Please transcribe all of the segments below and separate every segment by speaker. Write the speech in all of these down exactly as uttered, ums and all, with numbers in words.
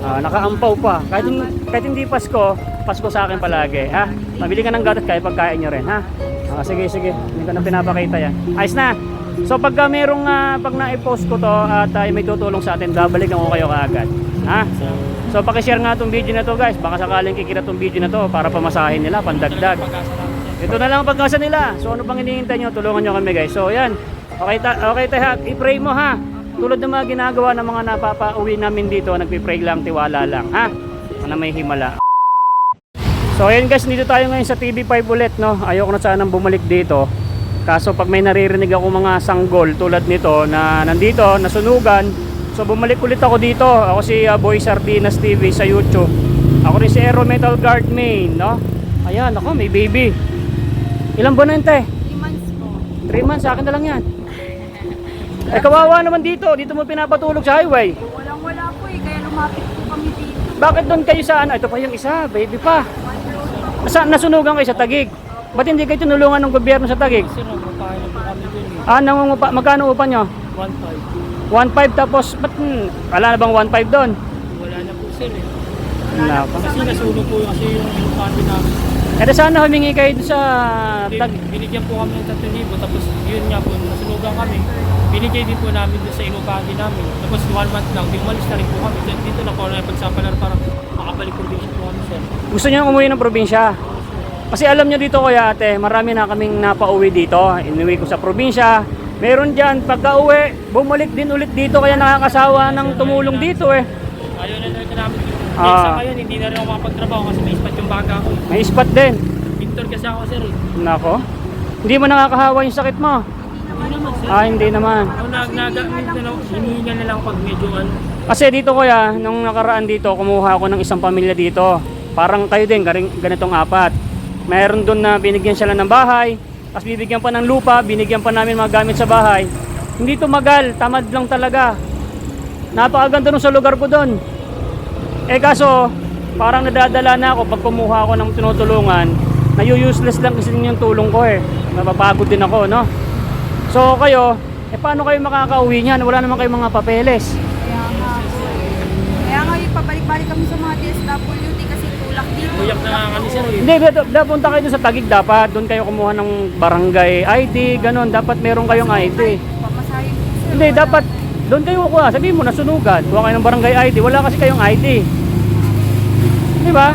Speaker 1: Ah, nakaampaw pa. Kahit, kahit hindi Pasko, Pasko sa akin palagi. Ha? Mabili ka ng gatas kahit pagkain nyo rin. Ha? Ah, sige, sige. Hindi ko na pinapakita yan. Ayos na. So pagka merong, uh, pag na-post ko to at uh, may tutulong sa atin, babalikan ko kayo kaagad. Ha? So pakishare nga itong video na to guys. Baka sakaling kikita itong video na to para pamasahin nila, pandagdag. Ito na lang ang pagkasa nila. So ano pang hinihintay nyo? Tulungan nyo kami guys. So yan. Okay, ta okay tayo. I-pray mo ha. Tulad ng mga ginagawa ng mga napapauwi namin dito, nagpipray lang, tiwala lang, ha? Na may himala. So ayun guys, dito tayo ngayon sa T V five ulit, no? Ayoko na sanang bumalik dito. Kaso pag may naririnig ako mga sanggol tulad nito na nandito, nasunugan, so bumalik ulit ako dito. Ako si uh, Boy Sardinas T V sa YouTube. Ako rin si Aero Metal Guard Main, no? Ayan, ako may baby. Ilang buwan na yun, te?
Speaker 2: three months po.
Speaker 1: three months, sa akin na lang yan. Eh kawawa naman dito, dito mo pinapatulog sa highway.
Speaker 2: Walang wala po eh, kaya lumapit po kami dito.
Speaker 1: Bakit doon kayo sa ano? Ito pa yung isa, baby pa. Nasa, nasunugan kayo sa Taguig. Ba't hindi kayo tinulungan ng gobyerno sa Taguig?
Speaker 3: Sir, magpapahin na po kami dun eh.
Speaker 1: Ah, nangungupa, magkano upa nyo?
Speaker 3: one five.
Speaker 1: one five tapos, ba't hmm, wala na bang one five doon?
Speaker 3: Wala na po sir eh.
Speaker 1: Wala pa.
Speaker 3: Kasi nasunog po kasi yung kami namin.
Speaker 1: Eh sana humingi kayo doon sa Tag...
Speaker 3: Binigyan po kami ng tatlong libo tapos yun nga po, nasunugan kami. Binigay din po namin doon sa inupahan namin. Tapos one month lang, di umalis na rin po kami. Dito na po na pagsapalan para makabalik probinsya po kami sir.
Speaker 1: Gusto nyo umuwi ng probinsya? Kasi alam nyo dito kuya ate, marami na kaming napauwi dito. Inuwi ko sa probinsya. Meron dyan, pagka uwi, bumalik din ulit dito kaya nakakasawa ng tumulong dito eh.
Speaker 3: Ayaw na rin namin.
Speaker 1: Ah.
Speaker 3: Sa ngayon, hindi na rin ako makapagtrabaho kasi may ispat yung baga ko.
Speaker 1: May spot din.
Speaker 3: Pintor kasi ako sir eh.
Speaker 1: Nako. Hindi mo nakakahawa yung sakit mo?
Speaker 3: Hindi naman sir.
Speaker 1: Ah, hindi naman.
Speaker 3: Ako nag nagamit na lang, hinihinga na lang pag medyo ano.
Speaker 1: Kasi dito kuya, nung nakaraan dito, kumuha ako ng isang pamilya dito. Parang kayo din, ganitong apat. Mayroon doon na binigyan sila ng bahay, tapos bibigyan pa ng lupa, binigyan pa namin mga gamit sa bahay. Hindi tumagal, tamad lang talaga. Napakaganda nung sa lugar ko doon. Eh kaso, parang nadadala na ako pag kumuha ako ng tinutulungan. Nayu-useless lang kasi yung tulong ko eh. Napapagod din ako, no? So kayo, eh paano kayo makakauwi niyan? Wala naman kayong mga papeles.
Speaker 2: Kaya nga po eh. Kaya nga yung pabalik-balik kami sa mga D S W D kasi tulak dito.
Speaker 3: Buyak na nga kami sir eh.
Speaker 1: Hindi, dapunta kayo doon sa Taguig dapat. Doon kayo kumuha ng barangay I D, ganun. Dapat meron kayong I D.
Speaker 2: Pamasahin po sir.
Speaker 1: Hindi,
Speaker 2: Wala.
Speaker 1: dapat doon kayo kuha. Sabihin mo, nasunugan. Kuha kayo ng barangay I D. Wala kasi kayong I D. Di ba?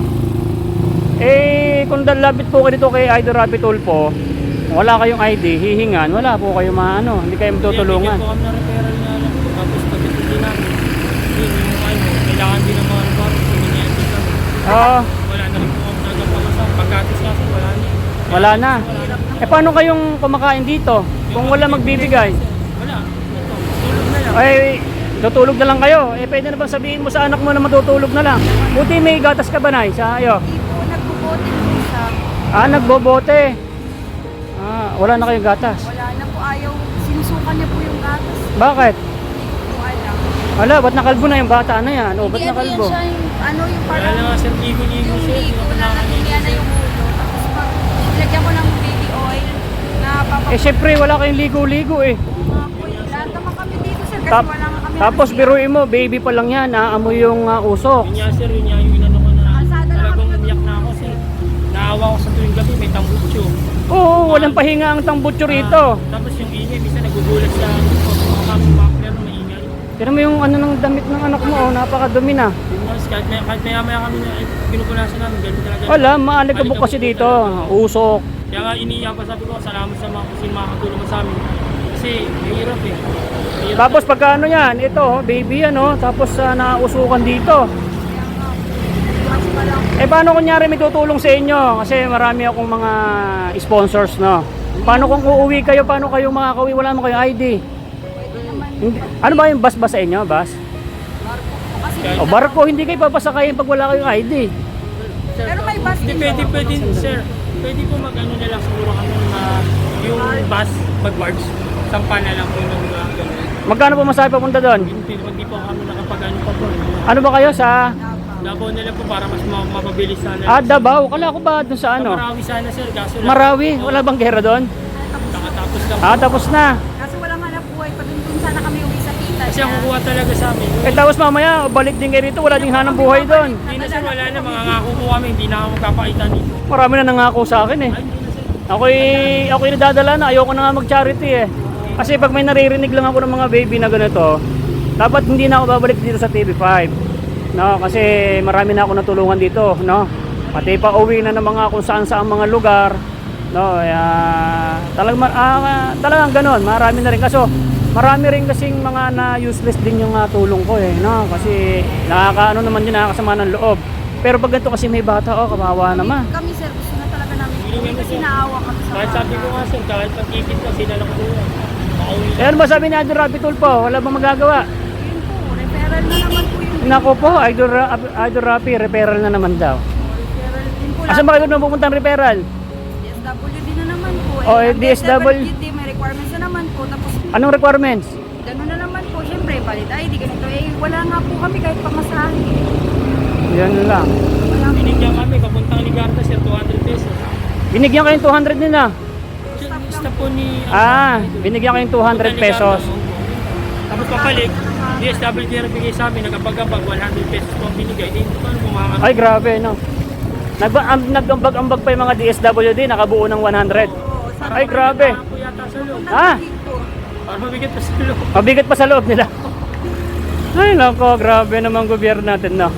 Speaker 1: Eh, kung dalabit po kayo dito kay Idol Rabbit Tulfo, wala kayong I D, hihingan, wala po kayo maano, hindi kayo matutulungan.
Speaker 3: Bigyan po kami ng referral nga lang. Tapos pagkatindi namin, yun yung ano, kailangan din ng mga referral. Kuminyente kami.
Speaker 1: Oo,
Speaker 3: Wala na rin po kami nagpapalasan. Pagkatis nga sir, wala na.
Speaker 1: wala na. Eh, paano kayong kumakain dito? Kung wala magbibigay?
Speaker 3: Wala. Ito, tulog na lang.
Speaker 1: Ay, tutulog na lang kayo. Eh, pwede na bang sabihin mo sa anak mo na matutulog na lang? Buti may gatas ka ba, Nay? Sa ayo.
Speaker 2: Hindi po, nagbubote po siya.
Speaker 1: Ah, nagbobote. Ah, wala na kayong gatas.
Speaker 2: Wala na po, ayaw. Sinusukan niya po yung gatas.
Speaker 1: Bakit?
Speaker 2: Hindi ko alam.
Speaker 1: Wala, ba't nakalbo na yung bata na yan? O, ba't
Speaker 2: Hindi, ano yan
Speaker 1: nakalbo?
Speaker 2: siya yung, ano yung
Speaker 3: Wala
Speaker 2: parang,
Speaker 3: na nga sir, ligo-ligo
Speaker 2: yung
Speaker 3: sir.
Speaker 2: ligo na natulian na yung ulo. Tapos pag lagyan ko ng baby oil na papapagod.
Speaker 1: Eh, syempre, wala kayong ligo-ligo eh.
Speaker 2: Lahat naman kami dito sir kasi
Speaker 1: Tap-
Speaker 2: wala nga kami.
Speaker 1: Tapos
Speaker 2: nasiya.
Speaker 1: biruin mo, baby pa lang yan, naamoy yung uh, usok.
Speaker 3: Yun nga sir, yun nga yung inano ko na.
Speaker 2: Kalsada lang
Speaker 3: Talagang
Speaker 2: kami.
Speaker 3: umiyak na ako sir. Naawa ko sa tuwing gabi, may tambutso.
Speaker 1: Oo, walang pahinga ang tambutso rito.
Speaker 3: Ah, tapos yung ingay, bisa nagugulat sa mga kami makler na maingay.
Speaker 1: Tira mo yung ano ng damit ng anak mo, oh, napakadumi na.
Speaker 3: Yun nga, kahit, may, kahit maya maya kami na eh, pinupunasan namin, ganun talaga.
Speaker 1: Wala, maalikabok kasi dito, usok.
Speaker 3: Kaya nga iniiyak pa sabi ko, salamat sa mga kusin makakatulong mo sa amin. Kasi mahirap eh. Mahirap
Speaker 1: Tapos pagka ano yan, ito, oh, baby yan, oh, tapos uh, nausukan dito.
Speaker 2: Mas pa lang.
Speaker 1: Eh paano kunyari may tutulong sa inyo? Kasi marami akong mga sponsors, no? Paano kung uuwi kayo, paano kayo makakauwi? Wala naman kayong I D.
Speaker 2: Pwede naman.
Speaker 1: Hindi, ano ba yung bus ba sa inyo, bus?
Speaker 2: Barko po kasi.
Speaker 3: Kahit-
Speaker 1: O barko, hindi kayo papasakayin pag wala kayong I D.
Speaker 3: Sir,
Speaker 2: Pero may bus
Speaker 3: Hindi,
Speaker 2: din
Speaker 3: pwede,
Speaker 2: po.
Speaker 3: pwede, sir. Pwede po mag-ano na lang siguro kami na yung bus, mag-barge. Sampa na lang po yung mga gano'n.
Speaker 1: Magkano po masabi papunta doon?
Speaker 3: Hindi, hindi po kami nakapag-ano pa po.
Speaker 1: Ano ba kayo sa...
Speaker 3: Labaw na lang po para mas ma- mapabilis sana.
Speaker 1: Ah, Davao. Kala ko ba doon sa ano?
Speaker 3: Marawi sana sir, kaso lang.
Speaker 1: Marawi. Wala bang gera doon?
Speaker 3: Nakatapos lang.
Speaker 1: Ah, tapos na.
Speaker 2: Kasi walang hanap buhay. Pag dun sana kami uwi sa tita.
Speaker 3: Kasi ang kukuha talaga sa amin.
Speaker 1: Eh tapos mamaya, balik din kayo rito, wala ding hanang buhay doon.
Speaker 3: Hindi na sir, wala na. Mga ngako po kami, hindi na ako magkapakita dito.
Speaker 1: Marami na nangako sa akin eh.
Speaker 3: Ay, hindi na sir.
Speaker 1: Ako'y, ako'y nadadala na, ayoko na nga mag-charity eh. Kasi pag may naririnig lang ako ng mga baby na ganito, dapat hindi na ako babalik dito sa T V five. No, kasi marami na ako natulungan dito, no. Pati pa uwi na ng mga kung saan saan mga lugar, no. Uh, talagang uh, talagang ganoon, marami na rin kaso marami rin kasing mga na useless din yung uh, tulong ko eh, no. Kasi nakakaano naman yun, nakakasama ng loob. Pero pag ganito kasi may bata, oh, kawawa naman.
Speaker 2: Kami sir, gusto na talaga namin.
Speaker 3: Hindi
Speaker 2: Kasi
Speaker 3: sir.
Speaker 2: naawa kami sa
Speaker 3: Kahit sabi ko nga sir, kahit pag-ikit ko, sila lang kuha. Makauwi
Speaker 1: Eh, ano ba sabi ni Idol Rapi Tulfo? Wala bang magagawa?
Speaker 2: Yun po, referral na naman po yung
Speaker 1: Nako po, Idol, Ra Idol Rapi, referral na naman daw.
Speaker 2: referral din po.
Speaker 1: Asan ba kayo na pupuntang referral?
Speaker 2: D S W D na naman po.
Speaker 1: Oh, eh,
Speaker 2: ang
Speaker 1: D S W
Speaker 2: D may requirements na naman po. Tapos
Speaker 1: Anong requirements?
Speaker 2: gano'n na naman po. Siyempre, valid I D, ganito. Eh, wala nga po kami kahit pamasahe.
Speaker 1: Yan lang.
Speaker 2: Wala po.
Speaker 3: Binigyan kami, papuntang Ligarda sir, two hundred pesos.
Speaker 1: Binigyan kayong two hundred nila.
Speaker 3: Basta po ni...
Speaker 1: Ah, binigyan kayong two hundred pesos.
Speaker 3: Tapos papalik, D S W D na bigay sa amin, nagabag-abag, one hundred pesos po ang binigay. Hindi ko paano kumakakaroon.
Speaker 1: Ay, grabe, no. Nag- Nag-ambag-ambag pa yung mga D S W D, nakabuo ng one hundred. Ay, grabe.
Speaker 3: Po yata sa loob.
Speaker 1: Ah,
Speaker 3: Para mabigat pa sa loob.
Speaker 1: mabigat pa sa loob nila. Ay, nako, grabe naman gobyerno natin, no.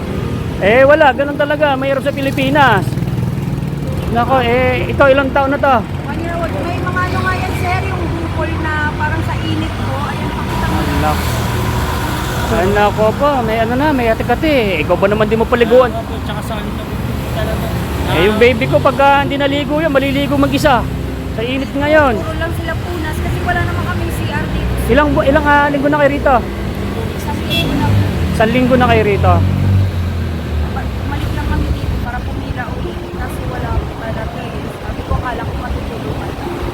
Speaker 1: Eh, wala, ganun talaga. Mayroon sa Pilipinas. Nako, eh, ito, ilang taon na to?
Speaker 2: One year old. May mga ano nga yan, sir, yung bukol na parang sa init po. Ayan, pakita mo.
Speaker 1: Nako. Ay, nako po, may ano na, may ate-kati. Ikaw ba naman di mo paliguan?
Speaker 3: Ano po, tsaka sa alit na po talaga.
Speaker 1: Eh, yung baby ko, pagka hindi naligo yan, maliligo mag-isa. Sa init ngayon.
Speaker 2: Puro lang sila punas kasi wala naman kami C R dito.
Speaker 1: Ilang, bu- ilang ah, linggo na kayo rito?
Speaker 2: Isang linggo na po.
Speaker 1: Isang linggo na kayo rito.
Speaker 2: Bumalik lang kami dito para pumila ulit. Kasi wala po talaga eh. Sabi ko, akala ko matutulungan.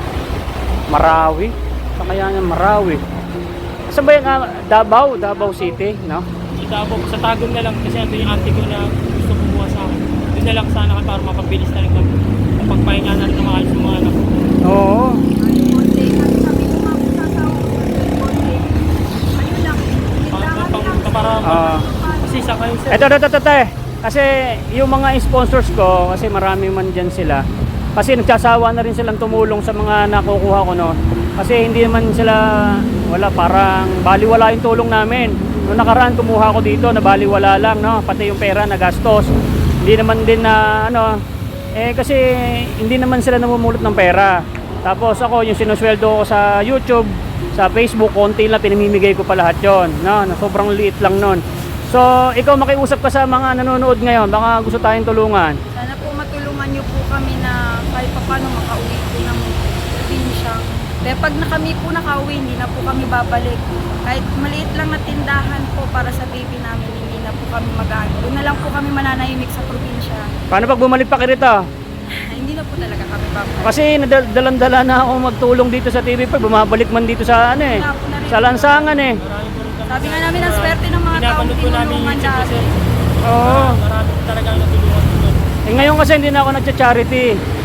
Speaker 1: Marawi. Sa kaya nga Marawi. Saan ba yung ah, Davao? Davao City, no?
Speaker 3: Sa Davao, sa Tagum na lang kasi ito yung auntie ko na gusto kumuha sa akin. Doon na lang sana ka para mapabilis na rin kami. Pagpahinga na rin na maayos yung mga anak ko.
Speaker 1: Oo.
Speaker 2: Ay, konti. Kasi sabi ko nga po sa asawa ko, konti. Ayun lang.
Speaker 3: Para,
Speaker 2: Kailangan
Speaker 3: para,
Speaker 2: lang.
Speaker 3: para,
Speaker 1: Ah.
Speaker 3: kasi isa kayo sir.
Speaker 1: Ito, ito, ito, ito, eh. Kasi yung mga sponsors ko, kasi marami man dyan sila. Kasi nagsasawa na rin silang tumulong sa mga nakukuha ko, no? Kasi hindi naman sila, wala, parang baliwala yung tulong namin. Noong nakaraan, kumuha ko dito, na baliwala lang, no? Pati yung pera, nagastos. Hindi naman din na, ano, eh kasi hindi naman sila namumulot ng pera. Tapos ako, yung sinusweldo ko sa YouTube, sa Facebook, konti lang, pinamimigay ko pa lahat yun, no? Na sobrang liit lang nun. So, ikaw makiusap ka sa mga nanonood ngayon, baka gusto tayong tulungan.
Speaker 2: Sana po matulungan niyo po kami na kahit pa paano makauwi po ng probinsya. Kaya pag na kami po nakauwi, hindi na po kami babalik. Kahit maliit lang na tindahan po para sa baby namin, hindi na po kami mag-aano. Doon na lang po kami mananahimik sa probinsya.
Speaker 1: Paano pag bumalik pa kayo rito?
Speaker 2: Hindi na po talaga kami babalik.
Speaker 1: Kasi nadalandala na ako magtulong dito sa T V five, bumabalik man dito sa ano eh, sa lansangan eh.
Speaker 3: Marami po rin kami.
Speaker 2: Sabi nga namin ang swerte ng mga taong
Speaker 3: Pinapanood po namin yung
Speaker 2: tinulungan
Speaker 3: YouTube ko
Speaker 2: dati.
Speaker 3: sir.
Speaker 1: Oo.
Speaker 3: Marami po talaga ang natulungan po doon.
Speaker 1: Eh ngayon kasi hindi na ako nagcha-charity.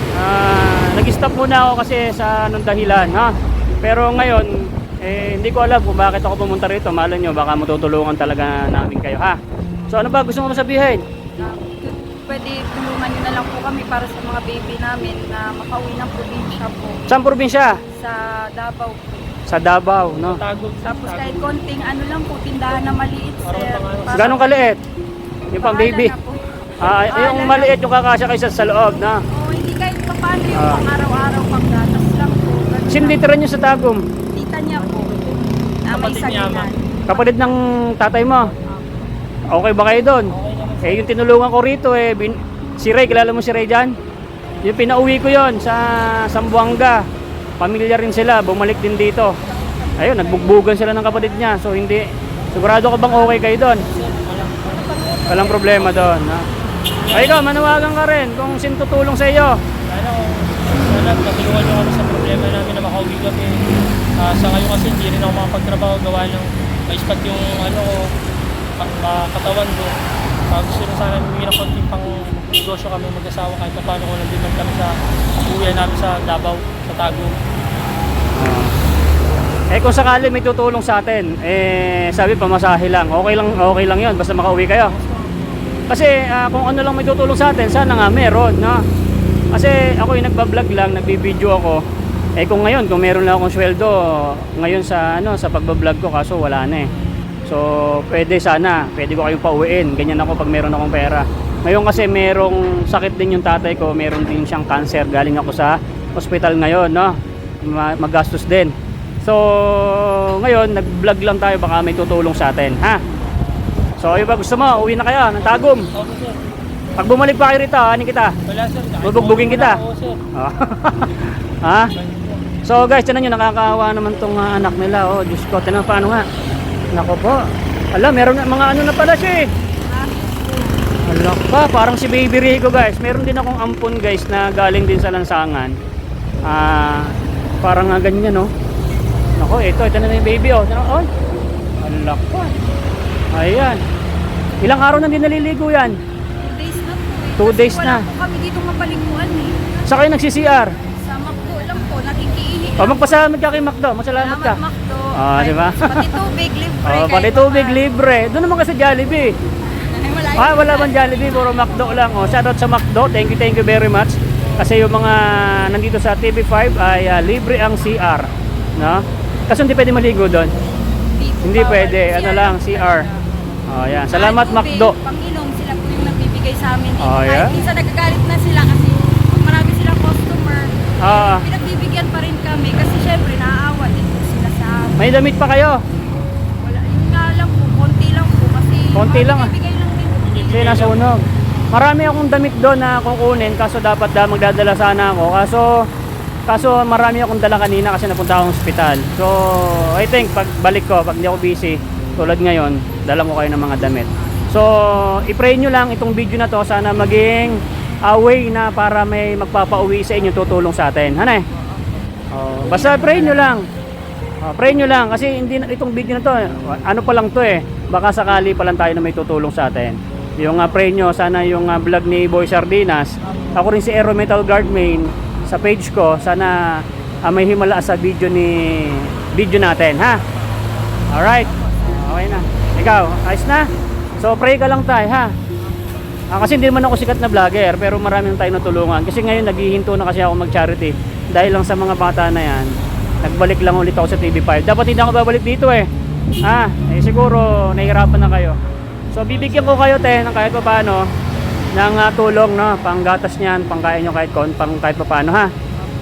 Speaker 1: Ah, nag-stop muna ako kasi sa anong dahilan, ha. Pero ngayon, eh hindi ko alam kung bakit ako pumunta rito. Malay nyo, baka matutulungan talaga namin kayo, ha. So ano ba gusto mo sabihin?
Speaker 2: Na pwede tulungan nyo na lang po kami para sa mga baby namin na makauwi ng probinsya po
Speaker 1: Saan probinsya?
Speaker 2: sa Davao po.
Speaker 1: Sa Davao, no.
Speaker 3: Tagog.
Speaker 2: Tapos kahit konting ano lang po, tindahan na maliit, sir. Para-
Speaker 1: Ganong kaliit? Yung pang
Speaker 2: Bahala
Speaker 1: baby.
Speaker 2: na po.
Speaker 1: Ah, yung
Speaker 2: Bahala
Speaker 1: maliit
Speaker 2: na.
Speaker 1: yung kakasya kayo sa loob, na.
Speaker 2: Oo, hindi kahit pa paano yung
Speaker 1: Ah.
Speaker 2: pang araw-araw pang gatas lang po. Ganun
Speaker 1: Sino
Speaker 2: lang.
Speaker 1: titira nyo sa Tagum?
Speaker 2: Tita niya po. Na may
Speaker 3: Kapatid niya,
Speaker 2: saginan.
Speaker 1: Kapatid ng tatay mo? Okay ba kayo doon?
Speaker 3: Okay naman sir.
Speaker 1: Eh, yung tinulungan ko rito, eh, bin, si Ray, kilala mo si Ray dyan? Yung pinauwi ko yon sa Sambuanga. Pamilya rin sila, bumalik din dito. Ayun, nagbugbugan sila ng kapatid niya. So, hindi, sigurado ka bang okay kayo doon? Walang problema doon, ha? Ay, ikaw, manawagan ka rin kung sino tutulong sa iyo.
Speaker 3: Sana kung sana matulungan nyo kami sa problema namin na makauwi kami. Ah, sa ngayon kasi hindi rin ako makapagtrabaho gawa ng maispat yung ano ko, pang ah, katawan ko. Ah, gusto rin sana humingi ng konting pang negosyo kami mag-asawa kahit pa paano kung nandun lang kami sa uwi namin sa Davao, sa Tagum.
Speaker 1: Eh kung sakali may tutulong sa atin, eh sabi pamasahe lang. Okay lang, okay lang 'yon basta makauwi kayo. Kasi ah, kung ano lang may tutulong sa atin, sana nga meron, no? Kasi ako yung nagba-vlog lang, nagbibideo ako. Eh kung ngayon, kung meron lang akong sweldo ngayon sa ano sa pagba-vlog ko, kaso wala na eh. So, pwede sana, pwede ko kayong pauwiin. Ganyan ako pag meron akong pera. Ngayon kasi merong sakit din yung tatay ko, meron din siyang cancer. Galing ako sa hospital ngayon, no? Ma- Magastos din. So, ngayon, nag-vlog lang tayo, baka may tutulong sa atin, ha? So, yung ba gusto mo, uwi na kayo ng Tagum.
Speaker 3: Opo, sir.
Speaker 1: Pag bumalik pa kayo rito, anin kita.
Speaker 3: Wala, sir.
Speaker 1: Bubugbugin kita.
Speaker 3: Oo, sir.
Speaker 1: Oh. Ha? So guys, tinan nyo, nakakaawa naman tong uh, anak nila. Oh, Diyos ko, tinan paano nga. Nako po. Ala, meron na mga ano na pala siya eh. Ala pa, parang si Baby Rico guys. Meron din akong ampon guys na galing din sa lansangan. Ah, parang nga ganyan no. Nako, ito, ito na yung baby oh. Tinan, oh. Ala pa. Ayan. Ilang araw na din naliligo yan?
Speaker 2: Two days na po eh.
Speaker 1: Two
Speaker 2: Kasi
Speaker 1: days
Speaker 2: wala
Speaker 1: na.
Speaker 2: po kami dito mabalikuan eh.
Speaker 1: Sa kayo nagsi-C R?
Speaker 2: Sa Macdo lang po, nakikiihi.
Speaker 1: O, magpasalamad ka kay Macdo. Masalamat ka.
Speaker 2: Salamat Macdo.
Speaker 1: Ah,
Speaker 2: Ay,
Speaker 1: di ba?
Speaker 2: Pati tubig, libre.
Speaker 1: Oh,
Speaker 2: kahit
Speaker 1: pati
Speaker 2: pa
Speaker 1: tubig
Speaker 2: paano.
Speaker 1: libre. Doon naman ka sa Jollibee.
Speaker 2: Ay, wala
Speaker 1: Ah,
Speaker 2: yun.
Speaker 1: wala bang Jollibee, puro McDo lang. Oh, shoutout sa McDo. Thank you, thank you very much. Kasi yung mga nandito sa T V five ay ah, libre ang C R, no? Kasi hindi pwede maligo doon.
Speaker 2: Dito,
Speaker 1: Hindi
Speaker 2: bawal.
Speaker 1: pwede, ano lang, C R. Oh, yan. Salamat
Speaker 2: Kahit tubig,
Speaker 1: McDo.
Speaker 2: Panginom, sila po yung nagbibigay sa amin dito.
Speaker 1: Oh, yeah?
Speaker 2: Kahit minsan nagagalit na sila kasi pag marami silang customer,
Speaker 1: Ah,
Speaker 2: pinagbibigyan pa rin kami kasi syempre naaawa din po sila sa amin.
Speaker 1: may damit pa kayo.
Speaker 2: Wala, yun nga lang po, konti lang po kasi
Speaker 1: Konti lang, ah.
Speaker 2: bibigay lang din po.
Speaker 1: Kasi nasunog. Marami akong damit doon na kukunin kaso dapat da magdadala sana ako. Kaso kaso marami akong dala kanina kasi napunta akong ospital. So, I think pag balik ko, pag hindi ako busy, tulad ngayon, dala ko kayo ng mga damit. So, i-pray nyo lang itong video na to, sana maging uh, way na para may magpapauwi sa inyo, tutulong sa atin. Hanay? Oh, basta pray nyo lang. Oh, pray nyo lang kasi hindi na, itong video na to, ano pa lang to eh. Baka sakali pa lang tayo na may tutulong sa atin. Yung uh, pray nyo, sana yung uh, vlog ni Boy Sardinas, ako rin si Aero Metal Guard Main sa page ko, sana uh, may himala sa video ni video natin, ha? Alright. Okay na. Ikaw, ayos na? So pray ka lang tayo, ha? Ah, kasi hindi naman ako sikat na vlogger, pero marami nang tayo natulungan. Kasi ngayon naghihinto na kasi ako mag-charity. Dahil lang sa mga bata na yan, nagbalik lang ulit ako sa T V five. Dapat hindi ako babalik dito eh. Ah, eh siguro nahihirapan na kayo. So bibigyan ko kayo te ng kahit pa paano ng uh, tulong, no, panggatas niyan, pangkain nyo kahit kon, pang kahit pa paano, ha.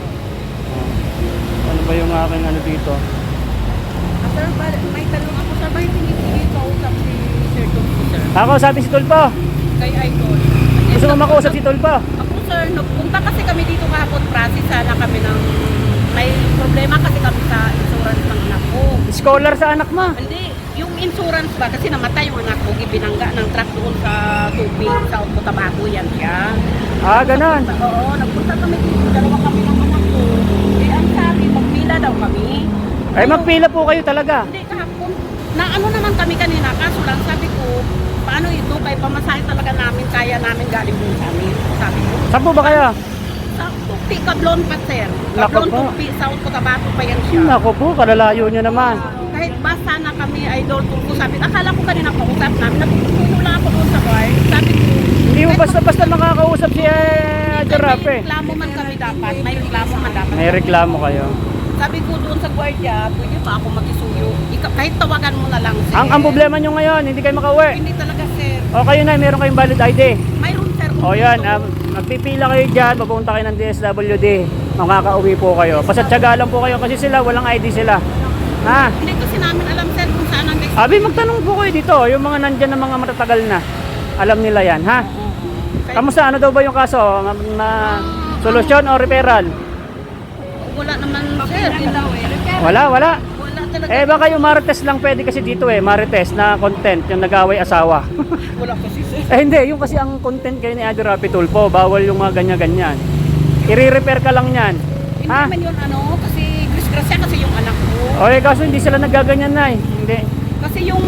Speaker 1: Oh. Ano ba yung aking ano dito?
Speaker 2: Ah, sir, ba- may talong ako sa bahay, tinitili ko usap si Sir Tulfo, sir.
Speaker 1: Ako sabi si Tulpo.
Speaker 2: Kay Idol.
Speaker 1: Gusto mo makausap si Tulpo?
Speaker 2: Ako, sir, nagpunta kasi kami dito kahapon, process sana kami ng may problema kasi kami sa insurance ng anak ko.
Speaker 1: Scholar sa anak mo.
Speaker 2: Hindi, yung insurance ba, kasi namatay yung anak ko, binangga ng truck doon sa tubig, sa Cotabato, yan siya.
Speaker 1: Ah, ganun.
Speaker 2: Oo, nagpunta kami dito, dalawa kami ng anak ko. Eh, ang sabi, magpila daw kami.
Speaker 1: Ay, magpila po kayo talaga.
Speaker 2: Hindi, kahapon, na ano naman kami kanina, kaso lang sabi ko, paano ito, kay pamasahe talaga namin, kaya namin galing doon sa amin. Sabi ko,
Speaker 1: Saan po ba kayo?
Speaker 2: sa Tupi, Kablon pa, sir.
Speaker 1: Naku
Speaker 2: Kablon,
Speaker 1: po.
Speaker 2: Tupi, South Cotabato pa yan siya.
Speaker 1: Nako po, kalalayo nyo naman.
Speaker 2: Kahit basta na kami idol tulpo sabi, akala ko kanina kausap namin, nagpupuno lang ako doon sa bar. Sabi ko,
Speaker 1: Hindi mo basta-basta makakausap si eh, Giraffe
Speaker 2: may
Speaker 1: eh.
Speaker 2: reklamo man kami dapat, may reklamo man dapat.
Speaker 1: May reklamo kayo.
Speaker 2: Sabi ko doon sa gwardiya, pwede ba ako mag-isuyo? Ika- kahit tawagan mo na lang, sir.
Speaker 1: Ang, ang problema nyo ngayon, hindi kayo makauwi.
Speaker 2: Hindi talaga, sir.
Speaker 1: O kayo na, meron kayong valid I D.
Speaker 2: Mayroon, sir.
Speaker 1: O yan, um, magpipila kayo dyan, papunta kayo ng D S W D. Makakauwi po kayo. Pasatsaga lang po kayo kasi sila, walang I D sila. Ha?
Speaker 2: Hindi kasi namin alam, sir, kung saan ang next.
Speaker 1: Abi, magtanong po kayo dito. Yung mga nandyan na mga matatagal na. Alam nila yan, ha? Kamusta? Ano daw ba yung kaso? Na, na solusyon o referral?
Speaker 2: Wala naman, sir.
Speaker 1: Wala, wala.
Speaker 2: Wala talaga.
Speaker 1: Eh baka yung Marites lang pwede kasi dito eh, Marites na content, yung nag-away asawa.
Speaker 2: Wala kasi, sir.
Speaker 1: Eh hindi, yung kasi ang content kayo ni Adi Rapi Tulfo, bawal yung mga ganyan-ganyan. I-repair ka lang yan.
Speaker 2: Hindi
Speaker 1: Ha?
Speaker 2: naman yun, ano, kasi disgrasya kasi yung anak ko.
Speaker 1: O eh, kaso hindi sila nagaganyan na eh. Hindi.
Speaker 2: Kasi yung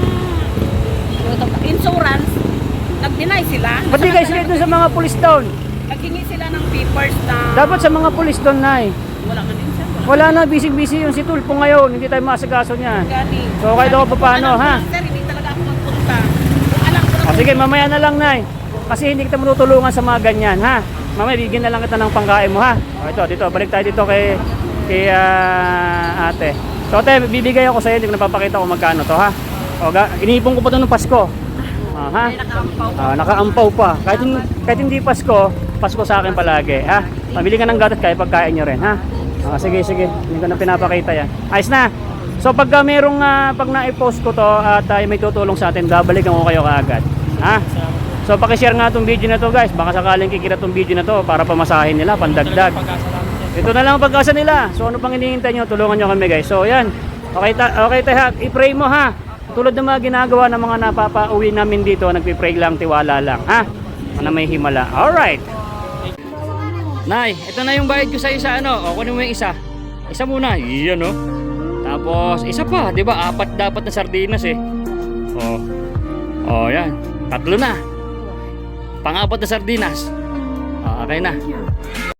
Speaker 2: insurance, nag-deny sila.
Speaker 1: Ba't di kayo sila dun sa mga police down?
Speaker 2: Naghingi sila ng papers na
Speaker 1: Dapat sa mga police down na eh.
Speaker 2: wala man din, sir. Wala.
Speaker 1: Wala na, busy-busy yung si Tulpo ngayon. Hindi tayo masagaso niyan.
Speaker 4: Gani.
Speaker 1: So, kahit ako pa paano, ha?
Speaker 4: Sir, hindi talaga ako magpunta. Kung alam ko na
Speaker 1: O sige, mamaya na lang, Nay. Kasi hindi kita matutulungan sa mga ganyan, ha? Mamaya, bigyan na lang kita ng pangkain mo, ha? O ito, dito, balik tayo dito kay, kay ah, ate. So, ate, bibigay ako sa'yo, hindi ko napapakita kung magkano to, ha? O, ga- iniipon ko pa ito ng Pasko. Ah, ha?
Speaker 4: nakaampaw.
Speaker 1: Ah, nakaampaw pa. Kahit, hin- kahit hindi Pasko, Pasko sa akin palagi, ha? Pabili ka ng gatas kaya pagkain nyo rin, ha? Ah, sige, sige. Hindi ko na pinapakita yan. Ayos na. So pagka merong ah, pag na-post ko to at ah, may tutulong sa atin, babalikan ko kayo kaagad. Ha? So paki-share nga tong video na to, guys. Baka sakaling kikita tong video na to para pamasahin nila, pandagdag.
Speaker 3: Pag-asa namin, sir.
Speaker 1: Ito na lang ang pag-asa nila. So ano pang hinihintay nyo? Tulungan nyo kami, guys. So yan. Okay, ta okay tayo. I-pray mo, ha? Tulad ng mga ginagawa ng mga napapauwi namin dito, nagpi-pray lang, tiwala lang, ha? Na may himala. Alright. Nay, ito na yung bayad ko sa isa, ano? O, kunin mo yung isa. Isa muna. Iyan, no? Tapos, isa pa, di ba? Apat dapat na sardinas, eh. O. O, yan. Tatlo na. Pang-apat na sardinas. O, okay na.